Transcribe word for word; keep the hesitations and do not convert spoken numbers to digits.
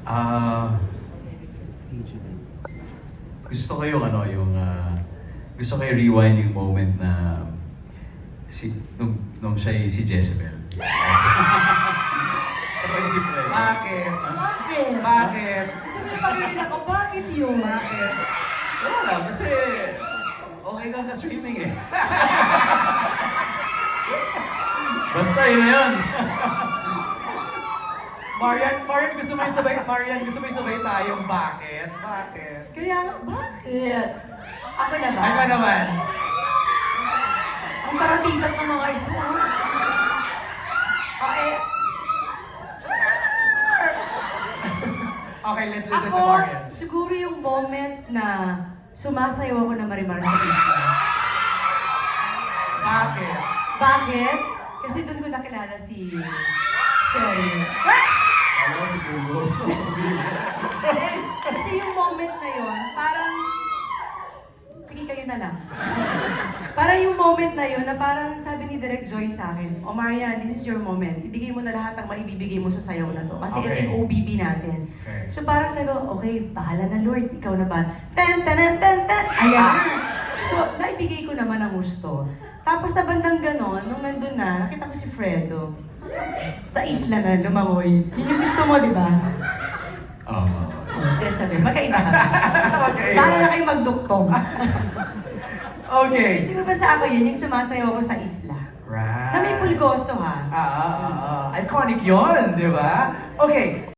Ah, gusto ko yung ano, yung ah, gusto ko yung rewind yung moment na si nung, nung siya si Jezebel. Kapag si Fred. Bakit? Bakit? Bakit? Kasi may pagkain ako, bakit yun? Bakit? Wala lang, kasi okay kang ka-swimming eh. Basta yun na yun. Marian, Marian, gusto mo yung sabay, Marian, gusto mo yung sabay tayong bakit? Bakit? Kaya nga, bakit? Ako na ba? Ay ba naman? Ang karatitat ng mga ito. ah. Oh, eh, Okay, let's listen to ako, Marian. siguro yung moment na sumasayaw ako na Marimar sa isla. Bakit? Bakit? Kasi doon ko nakilala si... Sorry. Alam ko si Google, sasabihin ko. Then, kasi yung moment na yon, parang... Sige, kayo na lang. Parang yung moment na yon na parang sabi ni Direk Joy sa akin, O Maria, this is your moment. Ibigay mo na lahat ng maibibigay mo sa sayaw na to. Kasi ito Okay. yung O B B natin. Okay. So parang sabi ko, okay, bahala na Lord, ikaw na ba? Tan, tan, tan, tan, ayan na. So, naibigay ko naman ang gusto. Tapos sa bandang ganon, nung nandun na, nakita ko si Fredo. Sa isla na, lumangoy. Yun yung gusto mo, di ba? Oo. Oh, Jezebel, magkaiba ka. Okay. Para na kayo magduktong. Okay. Siguro ba sa ako yun, yung sumasayaw ako sa isla. Right. Na may pulgoso ha. Ah, ah, ah, ah. Iconic yun, di ba? Okay.